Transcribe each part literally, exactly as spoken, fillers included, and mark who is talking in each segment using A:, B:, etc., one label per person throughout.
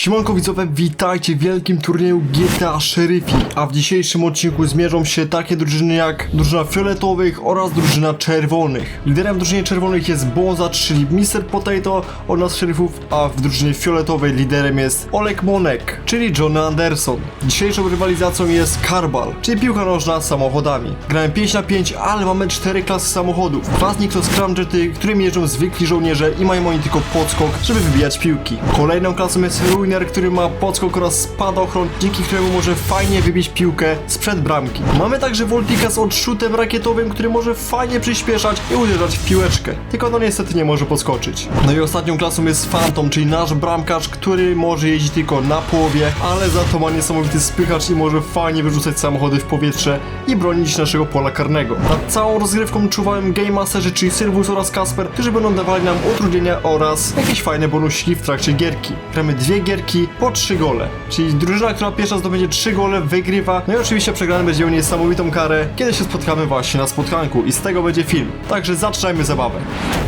A: Siemanko widzowie, witajcie w wielkim turnieju G T A Szeryfi, a w dzisiejszym odcinku zmierzą się takie drużyny jak drużyna fioletowych oraz drużyna czerwonych. Liderem w drużynie czerwonych jest Bonzacz, czyli mister Potato od nas szeryfów, a w drużynie fioletowej liderem jest Olek Monek, czyli Johnny Anderson. Dzisiejszą rywalizacją jest Karbal, czyli piłka nożna z samochodami. Grałem pięć na pięć, ale mamy cztery klasy samochodów. Dwa z nich to scramjety, którymi jeżdżą zwykli żołnierze i mają oni tylko podskok, żeby wybijać piłki. Kolejną klasą jest Ruiner, który ma podskok oraz spadochron, dzięki któremu może fajnie wybić piłkę sprzed bramki. Mamy także Voltika z odrzutem rakietowym, który może fajnie przyspieszać i uderzać w piłeczkę. Tylko no niestety nie może podskoczyć. No i ostatnią klasą jest Phantom, czyli nasz bramkarz, który może jeździć tylko na połowie, ale za to ma niesamowity spychacz i może fajnie wyrzucać samochody w powietrze i bronić naszego pola karnego. Nad całą rozgrywką czuwałem Game Masterzy, czyli Sylwus oraz Kasper, którzy będą dawali nam utrudnienia oraz jakieś fajne bonusiki w trakcie gierki. Gramy dwie gierki po trzy gole, czyli drużyna, która pierwsza zdobędzie trzy gole, wygrywa. No i oczywiście przegrany będzie miał niesamowitą karę, kiedy się spotkamy właśnie na spotkanku i z tego będzie film. Także zaczynajmy zabawę.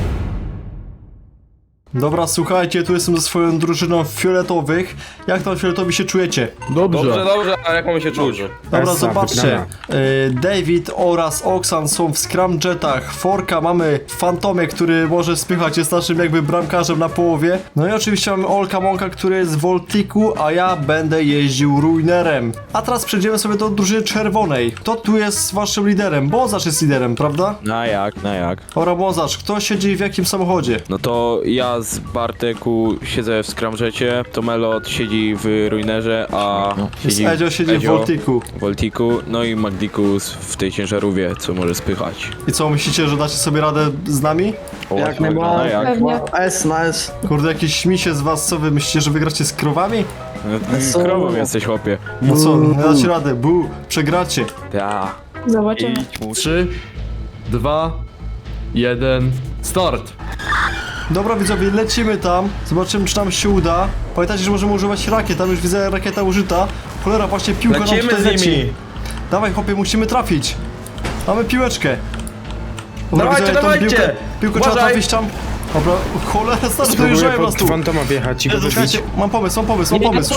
A: Dobra, słuchajcie, tu jestem ze swoją drużyną fioletowych. Jak tam fioletowi się czujecie?
B: Dobrze.
C: Dobrze, dobrze, a jak mamy się czuć?
A: Dobra,
B: Essa,
A: zobaczcie. Y, David oraz Oksan są w scramjetach. Forka mamy w Fantomie, który może spychać, jest naszym jakby bramkarzem na połowie. No i oczywiście mamy Olka Monka, który jest w Voltiku, a ja będę jeździł Ruinerem. A teraz przejdziemy sobie do drużyny czerwonej. Kto tu jest waszym liderem? Bonzacz jest liderem, prawda?
C: Na jak, na jak?
A: Dobra, Bonzacz, kto siedzi w jakim samochodzie?
C: No to ja z Barteku siedzę w scramjecie, to Melot siedzi w Ruinerze, a siedzi
A: Edzio siedzi w Voltiku.
C: w Voltiku, no i Magdikus w tej ciężarówce, co może spychać.
A: I co, myślicie, że dacie sobie radę z nami?
C: O,
B: Jak
C: na
B: najbardziej.
C: jak?
D: Pewnie.
B: S, na S.
A: Kurde, jakieś śmisie z was, co wy myślicie, że wygracie z krowami?
C: No, krową jesteś, chłopie.
A: No co, nie dacie rady, bu, przegracie.
C: Ta.
D: Zobaczymy.
C: Idź mu.
B: trzy, dwa, jeden, start.
A: Dobra widzowie, lecimy tam, zobaczymy czy nam się uda. Pamiętajcie, że możemy używać rakiet, tam już widzę rakieta użyta. Cholera, właśnie piłka nam
C: Lecimy
A: tutaj
C: z
A: leci.
C: nimi.
A: Dawaj chłopie, musimy trafić. Mamy piłeczkę. Dobra,
C: Dawajcie,
A: widzowie, tą
C: dawajcie.
A: piłkę, piłkę trzeba
C: Uważaj.
A: trafić tam. Dobra, cholera, stary,
B: Spróbuję
A: dojeżdżają nas
B: pod
A: tu.
B: Fantoma wjechać i go wybić.
A: Słuchajcie, mam pomysł, mam pomysł, mam pomysł.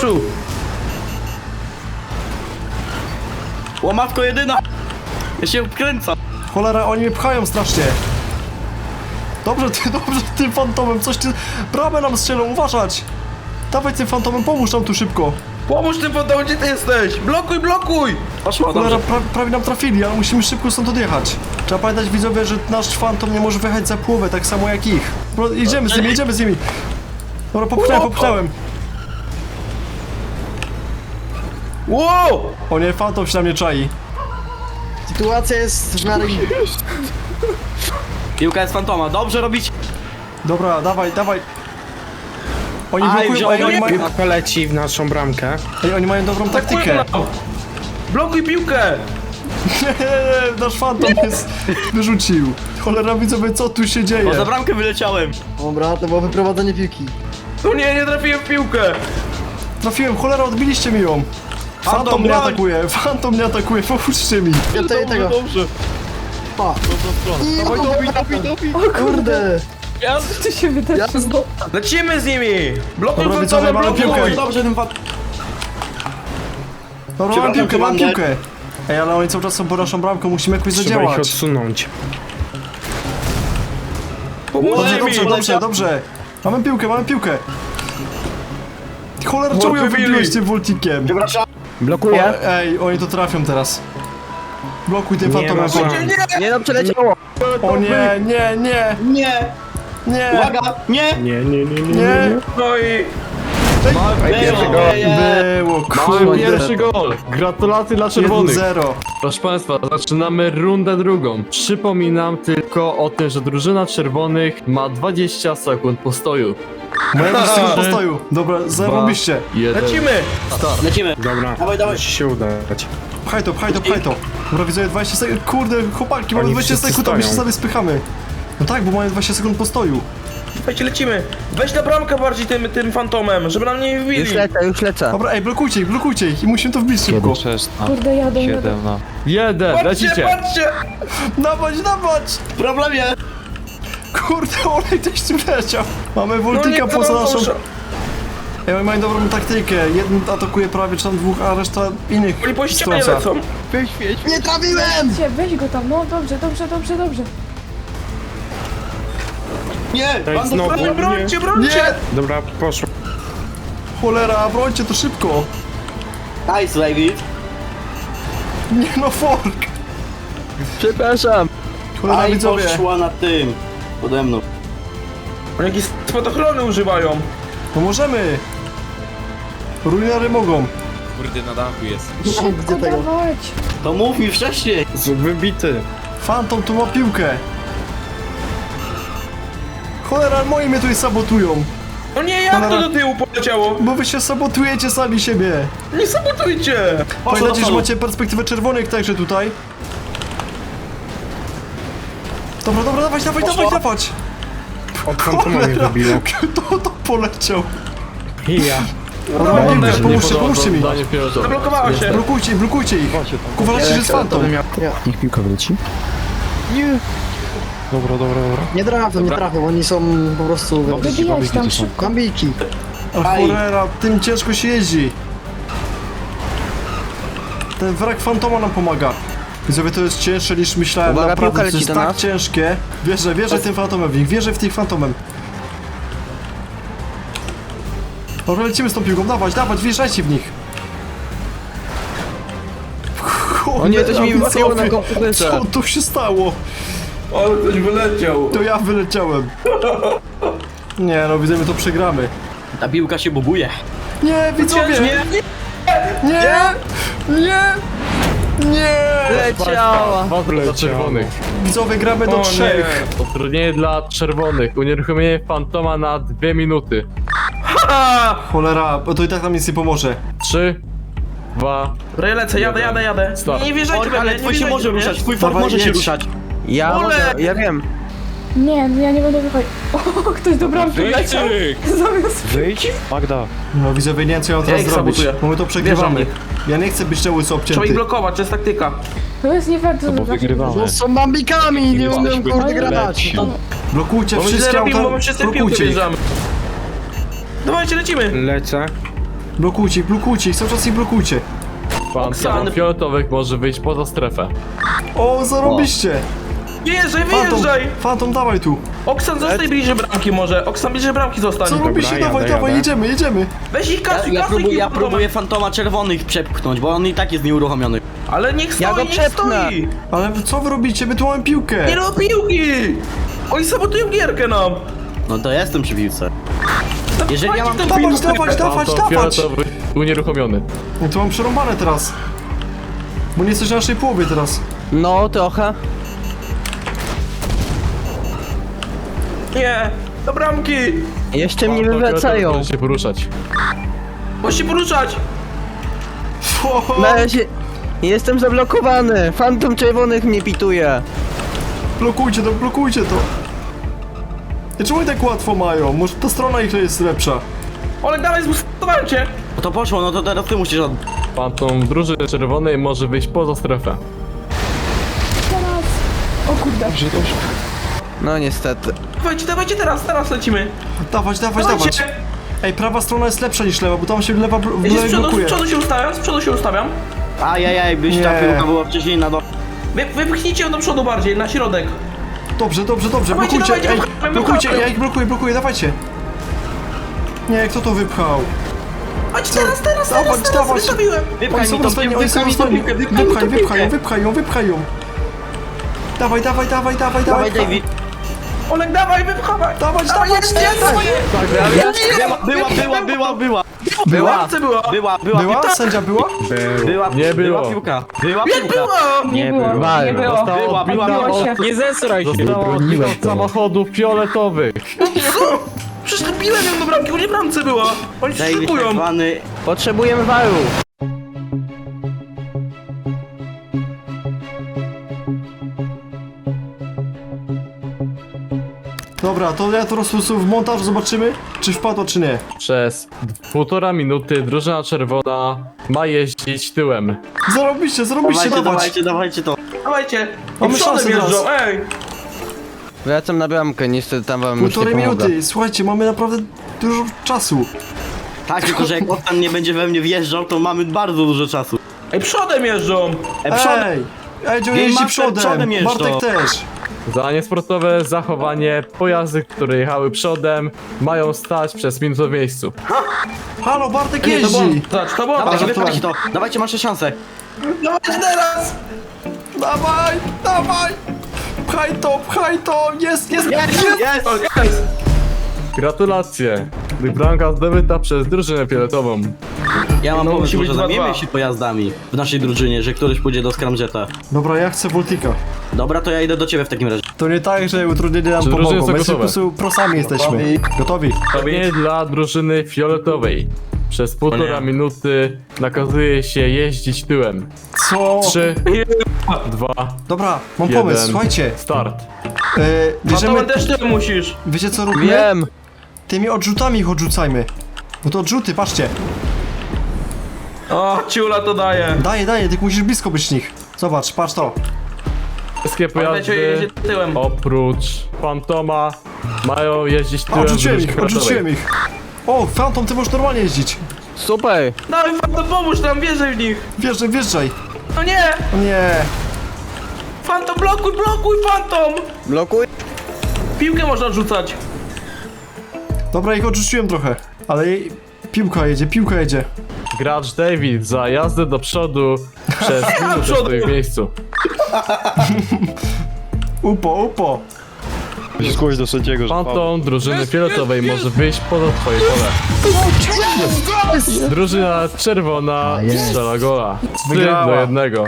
E: Łamatko jedyna! Ja się wkręcam!
A: Cholera, oni mnie pchają strasznie. Dobrze, ty, dobrze, tym fantomem, coś ty... Bramę nam strzelą, uważać. Dawaj tym fantomem, pomóż nam tu szybko.
C: Pomóż tym fantom, gdzie ty jesteś? Blokuj, blokuj!
E: Poszło,
A: Cholera,
E: dobrze.
A: pra, prawie nam trafili, ale musimy szybko stąd odjechać. Trzeba pamiętać widzowie, że nasz fantom nie może wyjechać za połowę, tak samo jak ich. Bro, jedziemy z nimi, jedziemy z nimi. Dobra, popchnąłem, popchnąłem.
C: Wow!
A: O nie, fantom się na mnie czai.
B: Sytuacja jest w miarę...
E: Piłka jest fantoma, dobrze robić!
A: Dobra, dawaj, dawaj. Oni
E: Aj,
A: blokują,
E: wziąłem
A: ej, oni, mają,
B: Piłka leci w naszą bramkę.
A: ej, oni mają dobrą taktykę.
C: Blokuj piłkę!
A: Nie, nie, nie, nasz fantom jest... wyrzucił. Cholera widzowie, co tu się dzieje?
E: Bo za bramkę wyleciałem!
F: Dobra, to było wyprowadzenie piłki.
C: No nie, nie trafiłem w piłkę!
A: Trafiłem, cholera, odbiliście mi ją. Fantom
C: Fantom,
A: mnie
C: broń!
A: atakuje, fantom mnie atakuje, pomóżcie mi.
F: Ja tutaj tego.
C: Dobrze.
F: Pa.
A: Dawaj, dobij, dobij, dobij.
F: Kurde.
D: Co się wydarzyło?
C: Lecimy z nimi! Blokuj
A: Dobra, widzowie,
C: fantomem,
A: mamy
C: blokuj!
A: piłkę.
E: Dobrze, ten fan...
A: Dobra, mam
E: Przepraszam,
A: piłkę, mam
E: komandę.
A: piłkę. Ej, ale oni cały czas są pod naszą bramką, musimy jakoś
B: Trzeba ich
A: zadziałać.
B: odsunąć.
A: Dobrze,
C: Pomóżcie
A: dobrze,
C: mi!
A: dobrze, dobrze. Mamy piłkę, mamy piłkę. Cholera, czemu ją
C: wybili.
A: wybiłeś tym voltikiem?
B: Blokuję.
A: O, ej, oni to trafią teraz. Blokuj tym
B: Nie
A: fantomem.
B: ma szans.
F: Nie no, przeleciało.
A: O nie, nie, nie,
E: Nie!
A: nie,
E: Uwaga! Nie!
B: Nie, nie, nie, nie, nie,
A: nie.
B: nie.
C: No i...
E: Było, nie.
A: Było,
B: Mamy
A: kurde.
B: pierwszy gol. Gratulacje dla
A: jeden
B: czerwonych.
A: zero.
B: Proszę Państwa, zaczynamy rundę drugą. Przypominam tylko o tym, że drużyna czerwonych ma dwadzieścia sekund postoju.
A: Moja drużyna postoju. Dobra, zarobiście.
B: Jeden.
C: Lecimy!
E: Lecimy!
B: Dobra,
E: Dawaj, dawaj.
B: musi się udać.
A: Pchaj to, pchaj to, pchaj to. Dobra, widzę dwadzieścia sekund. Kurde, chłopaki, mamy
B: Oni
A: dwadzieścia
B: wszyscy
A: sekund, a my się
B: stoją.
A: sobie spychamy. No tak, bo mamy dwadzieścia sekund postoju.
C: Słuchajcie, lecimy! Weź na bramkę bardziej tym, tym fantomem, żeby nam nie wbili!
F: Już lecę, już lecę.
A: Dobra, ej, blokujcie ich, blokujcie ich i musimy to wbić szybko.
D: Kurde, jadą, jadą.
B: Jeden,
C: Patrzcie,
B: lecicie.
C: patrzcie!
A: Dawać, dawać!
E: W problemie!
A: Kurde, olej też tu leciał. Mamy
C: No
A: Voltika
C: nie,
A: poza
C: to
A: naszą...
C: dobrze.
A: Ej, oni mają dobrą taktykę. Jeden atakuje prawie czy tam dwóch, a reszta innych
G: Oni po ścianie
A: strąca.
G: lecą.
F: Nie trafiłem!
D: Cię, weź go tam, no dobrze, dobrze, dobrze, dobrze.
E: Nie! Pan
G: Znowu.
E: doktor-
G: Brońcie, brońcie!
A: Nie!
G: Dobra, poszło.
A: Cholera, brońcie to szybko!
E: Nice, David.
A: Nie no, fork!
F: Przepraszam.
A: Cholera,
E: Aj,
A: widzowie!
E: poszła na tym. Pode mną.
G: Oni jakieś spadochrony używają.
A: Pomożemy! Ruinery mogą.
C: Kurde, na dachu jest.
D: Szybko
F: Gdzie tego?
D: dawać.
E: To mów mi wcześniej.
G: Wybity.
A: Phantom tu ma piłkę. Cholera, moi mnie tutaj sabotują.
G: O nie, jak to do tyłu poleciało?
A: Bo wy się sabotujecie sami siebie.
G: Nie sabotujcie!
A: Pamiętajcie, że
E: przodu.
A: macie perspektywę czerwonych także tutaj. Dobra, dobra, dawać, dawać, dawać, dawać!
G: Od fantoma mnie wybiło.
A: Kto to poleciał?
G: Ja.
A: Dobra,
G: One
A: piłkę,
G: się
A: pomóżcie, pomóżcie mi!
B: Danie pilotowe.
G: Zablokowała się.
A: Blokujcie ich, blokujcie ich! Uważajcie, że jest fantom!
F: Niech piłka wleci. Nie.
G: Dobra, dobra, dobra.
F: Nie trafią, nie trafią, oni są po prostu...
D: Wybijać tam szybko.
F: Gambiki.
A: A
E: Aj.
A: cholera, tym ciężko się jeździ. Ten wrak fantoma nam pomaga. Widzowie, to jest cięższe niż myślałem,
F: Uwaga,
A: naprawdę,
F: piłka
A: to jest
F: leci do
A: tak
F: nas.
A: ciężkie. Wierzę, wierzę tym fantomem w nich, wierzę w tych fantomem. Dobra, lecimy z tą piłką, dawać, dawać, wjeżdżajcie w nich.
F: O nie, coś mi
A: Cholera,
F: wypadło na
A: widzowie,
F: komputerze.
A: Co tu się stało?
G: Ale ktoś wyleciał.
A: To ja wyleciałem. Nie no, widzę, my to przegramy.
E: Ta piłka się buguje.
A: Nie, widzowie!
G: Nie, nie.
A: Nie! Nie! Nie!
F: Leciała.
B: Dwa dla czerwonych.
A: Widzowie, gramy do
G: O
A: trzech.
B: Utrudnienie dla czerwonych. Unieruchomienie fantoma na dwie minuty.
A: Cholera, bo to i tak nam nic nie pomoże.
B: Trzy, dwa,
G: Dobra, ja lecę, jadę, jadę, jadę.
B: Start.
G: Nie, nie wjeżdżajcie
E: Fork,
G: we mnie,
E: ale
G: nie
E: twój się
G: wjeżdżajcie
E: może
G: we mnie.
E: ruszać, twój fork
A: Dawaj,
E: może się
A: jedź.
E: ruszać.
F: Ja,
G: Ole!
F: ja wiem.
D: Nie, no ja nie będę wychodzić. O, ktoś do bramki leciał. Zamiast...
G: Wyjdź. Magda.
A: No widzowie, nie wiem co ja mam teraz
G: Ja ich
A: zrobić,
G: sabotuję.
A: bo my to przegrywamy.
G: Wjeżdżam
A: Ja nie chcę być cały
G: Trzeba ich
A: obcięty.
G: blokować, to jest taktyka.
D: To jest nie fair, co to znaczy.
F: No są bambikami, nie umiem kurde grać.
A: Blokujcie
G: Bo my źle
A: wszystkie
G: robimy, bo
A: auta,
G: my wszyscy w piłkę
A: blokujcie ich.
G: wjeżdżamy. Dawajcie, lecimy. Lecę.
A: Blokujcie ich, blokujcie ich, cały czas ich blokujcie.
B: fantom
G: Oksany.
B: fioletowych może wyjść poza strefę.
A: O, zarobiście!
G: Wyjeżdżaj,
A: Fantom,
G: wyjeżdżaj.
A: fantom, dawaj tu.
G: Oksan, zostań bliżej bramki może. Oksan, bliżej bramki zostań.
A: Co robicie? Dawaj, dawaj, jedziemy, jedziemy.
G: Weź ich
E: Ja,
G: kasuj,
E: ja,
G: kasuj
E: próbuję, ja
G: ich
E: próbuję fantoma czerwonych przepchnąć, bo on i tak jest nieuruchomiony.
G: Ale niech stoi,
F: Ja go
G: niech
F: przepnę.
G: stoi.
A: Ale co wy robicie? My tu mamy piłkę.
G: Nie do piłki. Oni sabotują gierkę nam.
E: No to ja jestem przy piłce. Jeżeli ja mam
G: Dawajcie
A: Dawać,
G: tę piłkę.
A: dawać, dawać,
B: Fantom
A: dawać.
B: fioletowy unieruchomiony.
A: No to mam przerąbane teraz. Bo nie jesteś na naszej połowie teraz.
F: No, trochę.
G: Nie, do bramki.
F: Jeszcze mnie
B: Fantom fioletowy
F: wywracają.
B: może się poruszać.
G: Możesz się poruszać.
A: O,
F: Na razie... Jestem zablokowany. Fantom czerwonych mnie pituje.
A: blokujcie to, blokujcie to. I czemu oni tak łatwo mają? Może ta strona ich jest lepsza.
G: Olek, dalej, zbustowałem cię.
E: No to poszło, no to teraz ty musisz od...
B: Fantom drużyny czerwonej może wyjść poza strefę.
D: Teraz... O kurde.
F: No niestety.
G: Dawajcie, dawajcie teraz, teraz lecimy.
A: Dawać, dawać, dawać.
G: Dawajcie.
A: Ej, prawa strona jest lepsza niż lewa, bo tam się lewa bl- w
G: Ja się z
A: lewej
G: przodu, z
A: blokuje.
G: przodu się ustawiam, z przodu się ustawiam.
E: Ajajaj, byś ta
A: Nie.
E: piłka była wcześniej na do...
G: Wy, wypchnijcie ją do przodu bardziej, na środek.
A: Dobrze, dobrze, dobrze,
G: Dawajcie,
A: blokujcie,
G: dawajcie,
A: ej,
G: wypchamy,
A: blokujcie,
G: wypchamy.
A: ja ich blokuję, blokuję, dawajcie. Nie, kto to wypchał?
G: Chodź teraz, teraz, teraz,
A: Dawać,
G: teraz,
A: dawać.
G: wystawiłem.
A: Oni
E: Wypchaj
A: są
E: mi to,
A: rozwojeni, oni są
E: wypchaj mi to
A: rozwojeni.
E: piłkę, wypchaj mi
A: Wypchaj,
E: to
A: wypchaj ją,
E: piłkę.
A: wypchaj ją, wypchaj ją. Dawaj, dawaj, dawaj, dawaj,
E: Dawaj,
A: dawaj.
E: David.
G: Olek, dawaj, wypchawaj.
A: Dawać,
G: Dawaj,
A: dawać,
G: jest, jest, swoje.
E: Była, była, była, była.
G: Była? Co była?
E: Była, była,
A: Była?
E: piłka.
A: Sędzia była?
E: Była,
B: Nie
E: była
B: było.
E: piłka. Była
G: Jak
E: piłka.
G: była?
D: Nie było, nie było.
E: Była, była,
D: Odbiło
E: była.
D: się.
C: Nie zesraj się!
B: Została od samochodów fioletowych.
G: Przecież nabiłem ją do bramki, bo nie w bramce była. Oni się
E: David
G: szykują.
E: tak zwany...
F: Potrzebujemy waru.
A: Dobra, to ja to rozpoczę w montażu, zobaczymy, czy wpadło, czy nie.
B: Przez półtora minuty drużyna czerwona ma jeździć tyłem.
A: Zarobiście, zarobiście,
E: Dawajcie,
A: dawać.
E: dawajcie, dawajcie to.
G: Dawajcie.
A: Mamy
G: I przodem
A: szansę teraz.
G: jeżdżą, ej.
F: Wracam na bramkę, niestety tam wam już nie
A: Półtorej
F: pomogę.
A: minuty, słuchajcie, mamy naprawdę dużo czasu.
E: Tak, tylko że jak Oksan nie będzie we mnie wjeżdżał, to mamy bardzo dużo czasu.
G: Ej, przodem jeżdżą!
E: E, przodem,
A: Ej! Ej,
E: Game
A: jeździ
E: Master
A: przodem!
E: przodem jeżdżą.
A: Bartek też!
B: Za niesportowe zachowanie pojazdy, które jechały przodem, mają stać przez minutę w miejscu.
A: Halo, Bartek
G: Nie, to było...
A: jeździ!
G: Zobacz, to było...
E: dawajcie,
A: Ale to-
E: wypchajcie to, dawajcie, macie szansę.
G: Dawajcie teraz!
A: Dawaj, dawaj! Pchaj to, pchaj to! Jest, jest, jest!
E: Jest!
G: O, jest!
B: Gratulacje! Bramka zdobyta przez drużynę fioletową.
E: Ja mam
G: No,
E: pomysł,
G: musi być
E: że
G: dwa
E: zamienimy
G: dwa.
E: się pojazdami w naszej drużynie, że któryś pójdzie do Scramjeta.
A: Dobra, ja chcę Voltika.
E: Dobra, to ja idę do ciebie w takim razie.
A: To nie tak, że utrudnienia nam
B: Czy drużyny
A: pomogą.
B: są
A: My po
B: gotowe?
A: prostu prosami jesteśmy. Gotowi?
B: Nie dla drużyny fioletowej. Przez półtora
G: nie.
B: minuty nakazuje się jeździć tyłem.
A: Co?
B: Trzy, dwa,
A: Dobra, mam
B: jeden.
A: pomysł, słuchajcie.
B: Start.
A: E, bierzemy,
G: Fantomem też ty musisz!
A: wiecie co robimy?
F: Wiem!
A: Tymi odrzutami ich odrzucajmy. No to odrzuty, patrzcie.
G: O, ciula to daje.
A: Daję, daję, tylko musisz blisko być nich. Zobacz, patrz to.
B: Wszystkie
G: Pamiętajcie, jedzie
B: pojazdy
G: tyłem.
B: oprócz Fantoma mają jeździć
A: A,
B: tyłem w
A: odrzuciłem
B: drużynie
A: ich, odrzuciłem ich. O, Phantom, ty możesz normalnie jeździć.
F: Super!
G: Dawaj, Fantom, pomóż nam, wjeżdżaj w nich!
A: Wjeżdżaj, wjeżdżaj.
G: No nie!
A: O nie.
G: Fantom, blokuj, blokuj, Fantom!
F: Blokuj!
G: Piłkę można rzucać.
A: Dobra, ich odrzuciłem trochę. Ale jej... piłka jedzie, piłka jedzie.
B: Gracz David za jazdę do przodu przez minutę
G: przodu.
B: stoi w miejscu.
A: Upo, upo.
H: Zgłoś do sędziego, że
B: Fantom drużyny fioletowej może wyjść poza twoje pole. Drużyna czerwona strzela gola. trzy
A: Wygrała.
B: do jednego.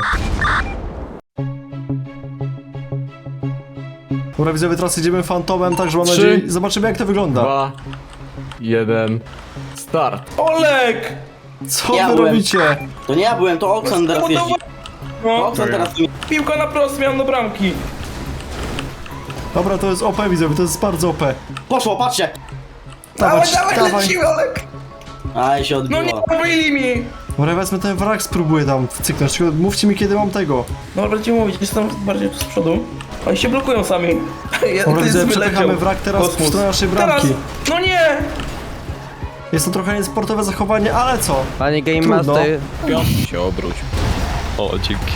A: Dobra, widzowie, teraz jedziemy Phantomem, także mam
B: Trzy.
A: nadzieję... Zobaczymy, jak to wygląda.
B: dwa, jeden, start.
G: Olek!
A: Co
E: Ja
A: wy
E: byłem.
A: robicie?
E: To nie ja byłem, to Oksan teraz jeździ. To
G: No,
E: Oksan teraz...
G: piłka na prost, miałem do bramki.
A: Dobra, to jest O P, widzowie, to jest bardzo O P.
E: Poszło, patrzcie!
A: Dawać,
G: dawaj,
A: dawaj.
G: lecimy, Olek!
E: Aj, się
G: No nie,
E: odbiło.
G: zabili mi!
A: Dobra, wezmę ten wrak, spróbuję tam cyknąć. Tylko mówcie mi, kiedy mam tego.
G: No będziecie mówić, jestem bardziej tu z przodu. Oni się blokują sami. Ja,
A: Dobra,
G: ty
A: widzę,
G: wyleciał.
A: przepychamy wrak teraz w
G: Kosmos.
A: stronę naszej
G: Teraz!
A: bramki.
G: No nie!
A: Jest to trochę niesportowe zachowanie, ale co?
F: Panie Game
A: Trudno.
F: Master,
C: się obróć.
H: O, dzięki.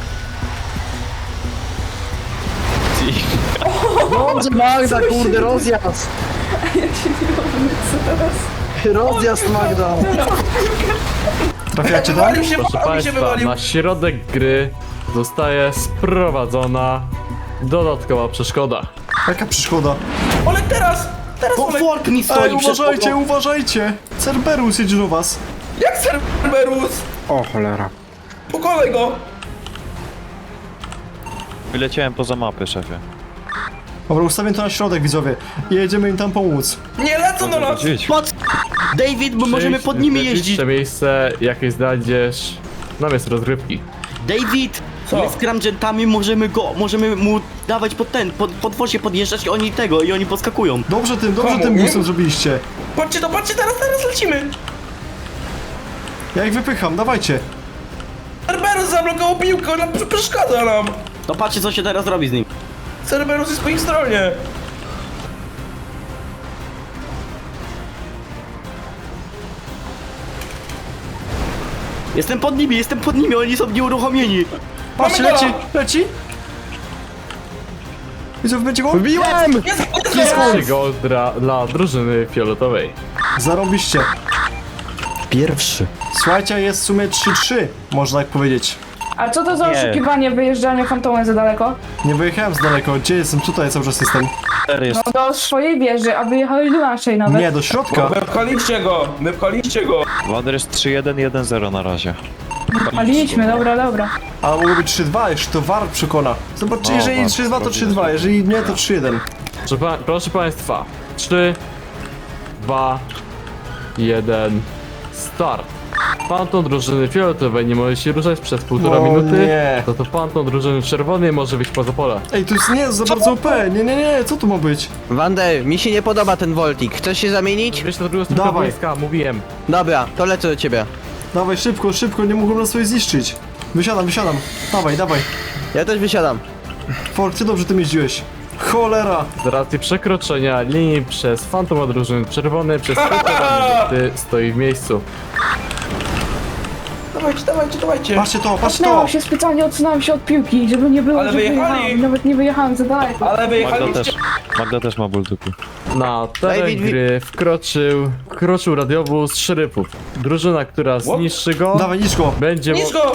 F: Dobrze, Magda, kurde, rozjazd!
D: Ja się nie mogę, co teraz?
F: Rozjazd, Magda!
A: Trafiacie tam?
G: Wywalił się,
B: Proszę
G: mi się
B: Państwa,
G: wywalił.
B: na środek gry zostaje sprowadzona dodatkowa przeszkoda.
A: Jaka przeszkoda?
G: Olek teraz! Teraz
E: O,
G: Olek!
E: Fork mi
A: Ej,
E: stoi przed
A: uważajcie,
E: tobą.
A: uważajcie! Cerberus jedzie do was.
G: Jak Cerberus?
H: O, cholera.
G: Pokonaj go!
H: Wyleciałem poza mapę, szefie.
A: Dobra, ustawię to na środek, widzowie. I jedziemy im tam pomóc.
G: Nie lecą do nas!
H: Gdzieś.
E: Pod... David, bo możemy
B: Przyjdź
E: pod nimi
B: w najbliższe
E: jeździć.
B: miejsce, jakie znajdziesz na miejscu rozgrywki.
E: David!
G: Co?
E: My z Scramjetami możemy go, możemy mu dawać pod ten, pod, pod wozie podjeżdżać i oni tego, i oni podskakują.
A: Dobrze tym, dobrze
G: Komu?
A: tym busem zrobiliście.
G: Patrzcie to, patrzcie, teraz, teraz lecimy!
A: Ja ich wypycham, dawajcie.
G: Cerberus zablokował piłkę, ona pr- przeszkadza nam!
E: To patrzcie, co się teraz robi z nim.
G: Cerberus jest po ich stronie!
E: Jestem pod nimi, jestem pod nimi, oni są nieuruchomieni.
A: Patrzcie,
G: Mamy
A: leci,
G: gola!
A: leci. Widzowie, będzie go?
F: Wbiłem!
G: Jest, jest,
B: Trzeci gol dla, dla drużyny fioletowej.
A: Zarobiście.
F: Pierwszy.
A: Słuchajcie, jest w sumie trzy trzy, można tak powiedzieć.
D: A co to za
H: Nie.
D: oszukiwanie, wyjeżdżanie fantomem za daleko?
A: Nie wyjechałem z daleko, gdzie jestem? Tutaj cały czas jestem.
H: cztery jest.
D: No do swojej wieży, a wyjechali do naszej nawet.
A: Nie, do środka.
G: Wypchaliście go, wypchaliście go!
H: Wander jest trzy jeden jeden zero na razie.
D: Paliśmy, dobra, dobra.
A: A mogło być trzy dwa, jeszcze to war przekona. Zobaczcie,
H: O,
A: jeżeli
H: war
A: trzy dwa to
H: wchodzi.
A: trzy dwa, jeżeli nie to trzy jeden.
B: Proszę, pa proszę Państwa, trzy, dwa, jeden, start. Panton drużyny fioletowej nie może się ruszać przez półtora
A: O
B: minuty,
A: nie.
B: to to panton drużyny czerwonej może wyjść poza pole.
A: Ej, to jest nie, za bardzo O P. Nie, nie, nie, co tu ma być?
F: Wander, mi się nie podoba ten Voltik. Chcesz się zamienić?
B: Wiesz, na drugą stronę
A: Dawaj.
B: boiska, mówiłem.
F: Dobra, to lecę do ciebie.
A: Dawaj, szybko, szybko, nie mogą nas sobie zniszczyć. Wysiadam, wysiadam. Dawaj, dawaj.
F: Ja też wysiadam.
A: Fork, ty dobrze tym jeździłeś. Cholera!
B: Z racji przekroczenia linii przez fantoma drużyny czerwonej przez półtora minuty stoi w miejscu.
G: Dawajcie, dawajcie, dawajcie.
A: Patrzcie to, patrzcie to!
D: Cofnęłam się specjalnie, odsunąłem się od piłki, żeby nie było,
G: Ale
D: że
G: wyjechali!
D: wyjechałam. Nawet nie wyjechałem za daleko.
G: Ale
H: Magda
G: wyjechaliście.
H: też. Magda też ma ból dupy.
B: Na teren
F: David, wi-
B: gry wkroczył, wkroczył radiowóz szeryfów. Drużyna, która zniszczy go,
A: Dawaj, niszko!
B: będzie...
G: Niż go!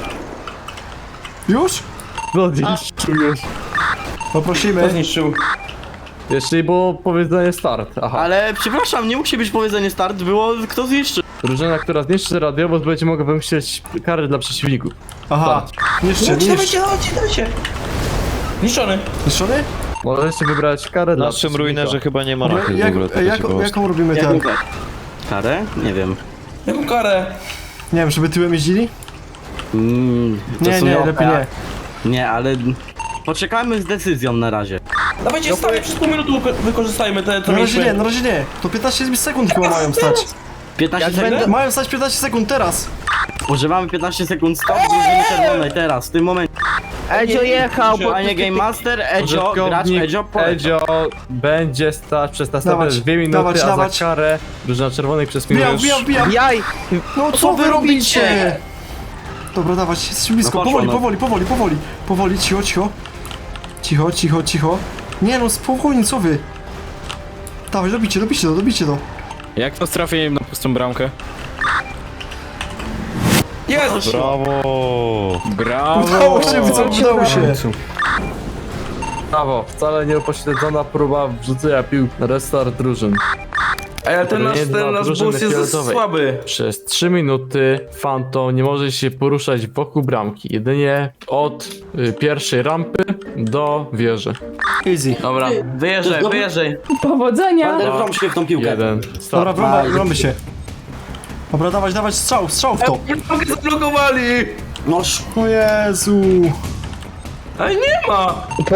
A: Już?
B: No, zniszczył już.
G: Kto
A: Poprosimy.
G: zniszczył?
B: Jeśli było powiedzenie start. Aha.
E: Ale przepraszam, nie musi być powiedzenie start, było kto zniszczy.
B: Drużyna, która zniszczy radiowóz, będzie mogła wymyślić kary dla przeciwników.
A: Aha, niszczy,
G: Dawajcie,
A: niszcz.
G: dawajcie, dawajcie, dawajcie. Zniszczony.
A: Niszczony?
B: Możecie wybrać karę
H: W
B: dla
H: naszym
B: przeciwnika.
H: ruinerze chyba nie ma
A: Jak,
H: rachy w
A: jak,
H: ogóle. to
A: jak,
H: ciekawość.
A: jaką robimy ten?
E: Jaką karę? Nie wiem.
G: Jaką karę?
A: Nie wiem, żeby tyłem jeździli?
E: Mm, to
A: Nie,
E: są
A: nie,
E: opera.
A: lepiej nie.
E: Nie, ale poczekajmy z decyzją na razie.
G: Dawajcie, stanie przez pół minuty wyko- wykorzystajmy te, co
A: Na razie nie,
G: mieliśmy.
A: na razie nie. To piętnaście sekund chyba mają stać.
E: piętnaście
F: Jak
E: sekund?
F: będę-
A: Mają stać piętnaście sekund teraz.
E: Używamy piętnaście sekund stop drużyny czerwonej teraz, w tym momencie.
F: Edzio jechał, bo...
E: Panie Game Master, Edzio, gracz
B: Użytkownik
E: Edzio, polecam.
B: Edzio będzie stać przez następne
A: Dawać,
B: dwie minuty,
A: dawać,
B: a
A: dawać.
B: za karę drużyna czerwonych przez minutę
A: Wbijam,
B: już...
A: wbijam, wbijam.
F: Jaj!
A: No co wy robicie? Dobra, dawać, jesteśmy blisko.
E: No poszło,
A: Powoli,
E: no.
A: powoli, powoli, powoli. Powoli, cicho, cicho. Cicho, cicho, cicho. Nie no, spokojnie, co wy? Dawaj, dobicie, dobicie to, dobicie to.
C: Jak to z trafieniem na pustą bramkę?
G: Jest!
H: Brawo!
C: Brawo!
A: Udało się, co udało się.
B: Brawo, wcale nie upośledzona próba wrzucenia piłki na restart drużyn.
G: Ej, ale ten nasz,
B: Nie dla
G: ten nasz
B: drużyny
G: bus jest
B: fioletowej.
G: słaby.
B: Przez trzy minuty Phantom nie może się poruszać wokół bramki, jedynie od y, pierwszej rampy do wieży.
A: Easy.
G: Dobra, wyjeżdżaj,
E: To-
G: wyjeżdżaj.
D: Powodzenia!
E: Wander, wrąb się w tą piłkę.
B: Jeden,
A: Dobra,
B: start.
A: wrąba, wrąby się. Dobra, dawać, dawać, strzał, strzał w to.
G: Bramkę zablokowali!
E: No sz...
A: O Jezu.
G: Ej, nie ma!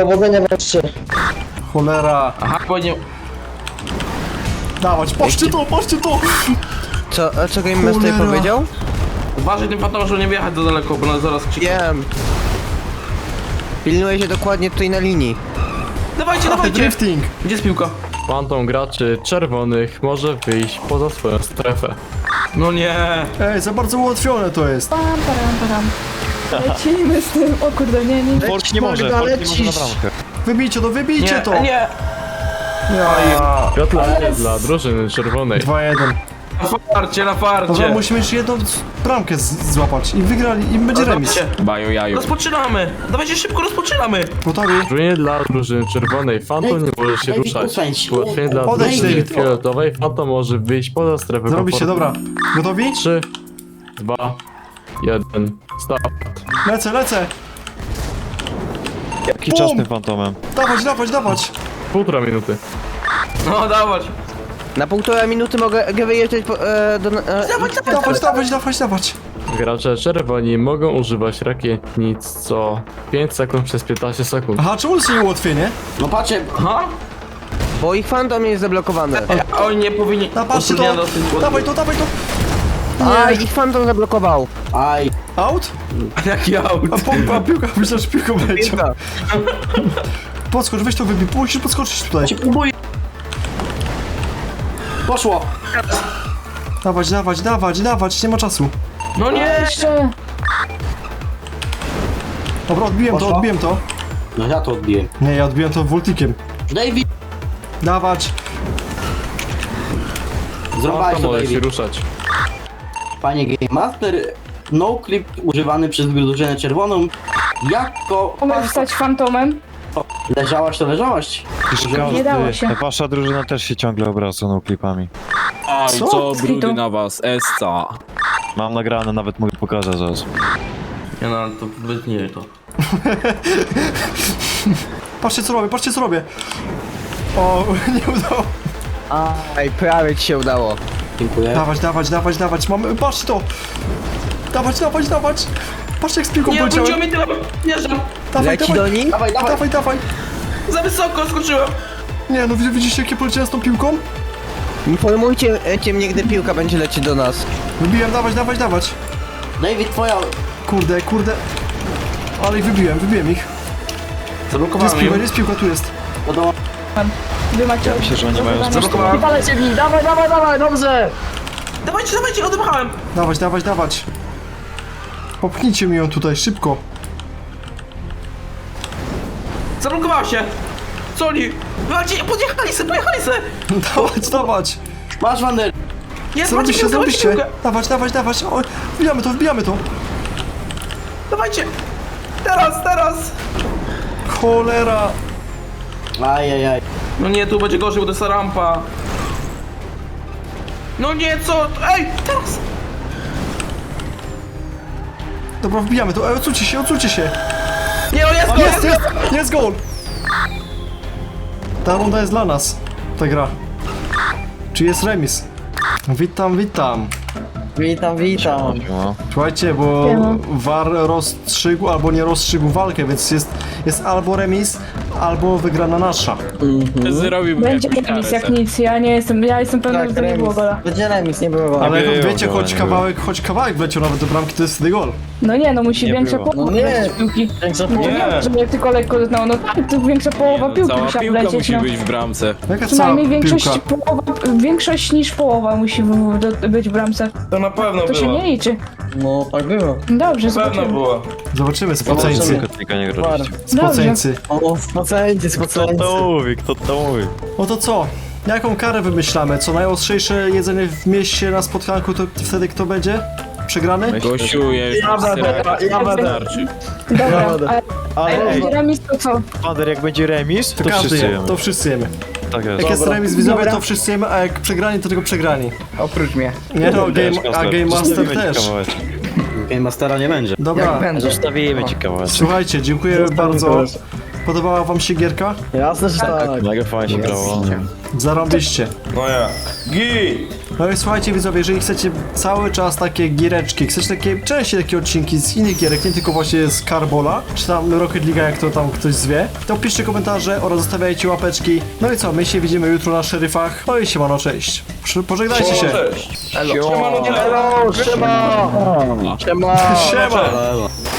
A: Cholera.
G: Aha, bo nie...
A: Dawać, patrzcie to, patrzcie to.
F: Co, a co Game Master
A: Cholera.
F: powiedział?
G: Uważaj tym fantom, żeby nie wjechać za daleko, bo nas zaraz krzyknie.
F: Wiem. Pilnuję się dokładnie tutaj na linii.
G: Dawajcie,
A: Ach,
G: dawajcie!
A: drifting.
G: Gdzie jest piłka?
B: Phantom graczy czerwonych może wyjść poza swoją strefę.
G: No nie!
A: Ej, za bardzo ułatwione to jest.
D: Pam, param, param. Lecimy z tym, o kurde, nie, nie.
H: Fort nie może,
F: Magda,
H: Fort nie może na
F: lecisz.
H: bramkę.
A: Wybijcie to, wybijcie
G: Nie,
A: to.
G: nie!
A: Ja.
B: Gratulacje dla drużyny czerwonej.
A: dwa jeden.
G: Na farcie, na
A: Dobra,
G: farcie!
A: musimy jeszcze jedną bramkę z- złapać i wygrali, i będzie remis.
G: Dawajcie.
C: Baju jaju.
G: Rozpoczynamy! Dawajcie szybko, rozpoczynamy!
A: Gotowi?
B: Ułatwienie dla drużyny czerwonej, Phantom nie może się
E: David,
B: ruszać.
E: usańcz.
B: Ułatwienie dla
A: Odejdź,
B: drużyny
A: David.
B: fioletowej, Phantom może wyjść poza strefę
A: Zrobi się,
B: komfortu.
A: dobra. Gotowi?
B: trzy, dwa, jeden, start.
A: Lecę, lecę.
H: Jaki
A: Bum!
H: czas tym fantomem?
A: Dawać, dawać, dawać.
B: Półtora minuty.
G: No, dawać!
F: Na półtora minuty mogę mogę wyjeżdżać po, e, do... E,
A: Dawać, dawać, dawać, dawać.
B: Gracze czerwoni mogą używać rakietnic co pięć sekund przez piętnaście sekund.
A: Aha, czemu to się nie ułatwienie?
E: No patrzcie,
G: Aha!
F: bo ich fandom jest zablokowany.
G: A oni nie powinni...
A: Na patrzcie
G: Utrudniano
A: to.
G: z tym
A: Dawaj to, dawaj to.
F: A,
A: Nie.
F: ich fandom zablokował.
E: aj.
A: Out?
G: Jaki aut?
A: A, po, a piłka, myślę, że piłką będzie.
F: Piłka.
A: Podskocz, weź to wybij, musisz podskoczyć tutaj.
E: Próbuję. Poszło.
A: Dawać, dawać, dawać, dawać, nie ma czasu.
G: No nie!
D: Jeszcze!
A: Dobra, odbiłem to,
E: Poszło?
A: odbiłem to.
E: No ja to odbiję.
A: Nie, ja odbiłem to voltikiem.
E: David!
A: Dawać.
E: Zrobiłeś
B: Phantom
E: to,
B: może się
E: David.
B: ruszać.
E: Panie Game Master, no clip używany przez drużynę czerwoną. Jako...
D: Umiesz stać fantomem?
E: Leżałaś to leżałaś.
D: Nie dało się.
H: Wasza drużyna też się ciągle obraca no klipami.
C: Aj,
A: Co?
C: co
D: Skitu.
C: brudy na was, Esca.
H: Mam nagrane, nawet mogę pokazać zaraz.
G: Nie no, ale to wytnij to.
A: Patrzcie co robię, patrzcie co robię. O, nie udało.
F: Aj, prawie ci się udało.
E: Dziękuję.
A: Dawać, dawać, dawać, dawać, mamy, patrzcie to. Dawać, dawać, dawać. Patrzcie jak z piłką
G: Nie,
A: poleciałem.
G: wróciło mi tyle! Jeżdżam!
A: Dawaj,
F: Leci do
A: dawaj,
F: nich?
E: Dawaj, dawaj.
A: dawaj, dawaj.
G: Za wysoko skoczyłem!
A: Nie no, widzicie jakie poleciałem z tą piłką?
F: Informujcie cię mnie, gdy piłka będzie lecieć do nas.
A: Wybiłem, dawać, dawać, dawać.
E: David, twoja...
A: Kurde, kurde. Ale ich wybiłem, wybiłem ich. Tu jest
G: Zablokowałem
A: piłka,
G: ją.
A: jest piłka, tu jest.
E: Wiadomo,
D: Wy macie...
H: Myślę, że oni mają
G: Zablokowałem.
F: Walecie w nich, dawaj, dawaj, dawaj, dobrze!
G: Dawajcie, dawajcie, odepchałem!
A: Dawać, dawać, dawać. Popchnijcie mi ją tutaj, szybko.
G: Zablokowała się! Co oni? Dawajcie, podjechali se, pojechali se!
A: Dawać, dawać.
E: masz Wander.
G: Jest,
A: Zrobiście,
G: macie, dawajcie
A: zrobiście.
G: piłkę!
A: Dawać, dawać, dawać. O, wbijamy to, wbijamy to.
G: Dawajcie! Teraz, teraz!
A: Cholera.
E: Ajajaj.
G: No nie, tu będzie gorzej, bo to jest rampa. No nie, co? Ej, teraz!
A: Dobra, wbijamy to. Ej, odsuńcie się, odsuńcie się.
G: Nie, no jest,
A: O,
G: gol,
A: jest, jest, jest gol. Ta runda jest dla nas. Ta gra. Czy jest remis? Witam, witam.
F: Witam, witam.
H: No.
A: Słuchajcie, bo
D: Siema.
A: V A R rozstrzygł albo nie rozstrzygł walkę, więc jest, jest albo remis, albo wygrana nasza.
C: Zrobiłbym
D: Będzie
C: jakąś
D: remis
C: karę
D: jak
C: se.
D: nic, ja nie jestem, ja jestem pewna, że to nie było gola.
F: Będzie remis, nie było.
A: Ale
H: było
A: wiecie,
H: gola,
A: choć
H: nie
A: kawałek, choć kawałek wleciał nawet do bramki, to jest wtedy gol.
D: No nie, no musi
H: Nie
D: większa
H: było.
D: połowa
F: No nie.
D: wlecieć piłki.
F: Większa
D: No to nie,
F: połowa.
D: żeby tylko lekko dotknęło, no tak, to większa połowa
C: No,
D: piłki
C: cała
D: musiała
C: piłka
D: wlecieć,
C: musi
D: no.
C: być w bramce.
A: Jaka
D: Przynajmniej
A: cała
D: większość,
A: piłka?
D: połowa, większość niż połowa musi w- do, być w bramce.
G: To na pewno
D: To się
G: było.
D: nie liczy.
F: No, tak było.
D: Dobrze,
G: Na pewno
D: zobaczymy.
G: było.
A: Zobaczymy, spoceńcy.
F: Zobaczymy.
H: Kotnika nie grozić.
A: Spoceńcy.
F: O, spoceńcy,
H: Kto
F: spoceńcy.
H: to mówi? Kto to mówi?
A: No to co? Jaką karę wymyślamy? Co najostrzejsze jedzenie w mieście na spotkanku, to wtedy kto będzie? Przegrany?
C: Gościu, ja już
F: Ja będę, ja będę.
C: starczy.
D: Dobra,
F: Dobra.
D: a
H: Ale
D: jak
H: ej,
D: będzie remis, to co?
H: Wander, jak będzie remis, to,
A: To każdy
H: wszyscy
A: je,
H: jemy.
A: to wszyscy jemy.
H: Tak jest.
A: Jak jest
F: Dobra.
A: remis widzowie,
D: Dobra.
A: to wszyscy jemy, a jak przegrani, to tylko przegrani.
F: Oprócz mnie.
A: Nie no,
H: Też,
A: game, a
H: Kasper,
A: Game Master
H: zostawimy ci
A: też.
H: kawałeczek.
E: Game Mastera nie będzie.
A: Dobra,
H: Zostawimy ci kawałeczek.
A: słuchajcie, dziękuję bardzo. Podobała wam się gierka?
F: Jasne, że tak.
H: Mega fajnie się grało.
A: Zarąbiście.
G: No ja. Gi!
A: No i słuchajcie widzowie, jeżeli chcecie cały czas takie giereczki, chcecie takie częściej takie odcinki z innych gierek, nie tylko właśnie z Carbola, czy tam Rocket League, jak to tam ktoś zwie, to piszcie komentarze oraz zostawiajcie łapeczki. No i co, my się widzimy jutro na szeryfach. No i siemano, cześć. Przy- Pożegnajcie się.
G: Cześć. Siemano, cześć.
F: Hello, siema! Siema!
A: Siema.
E: Elo.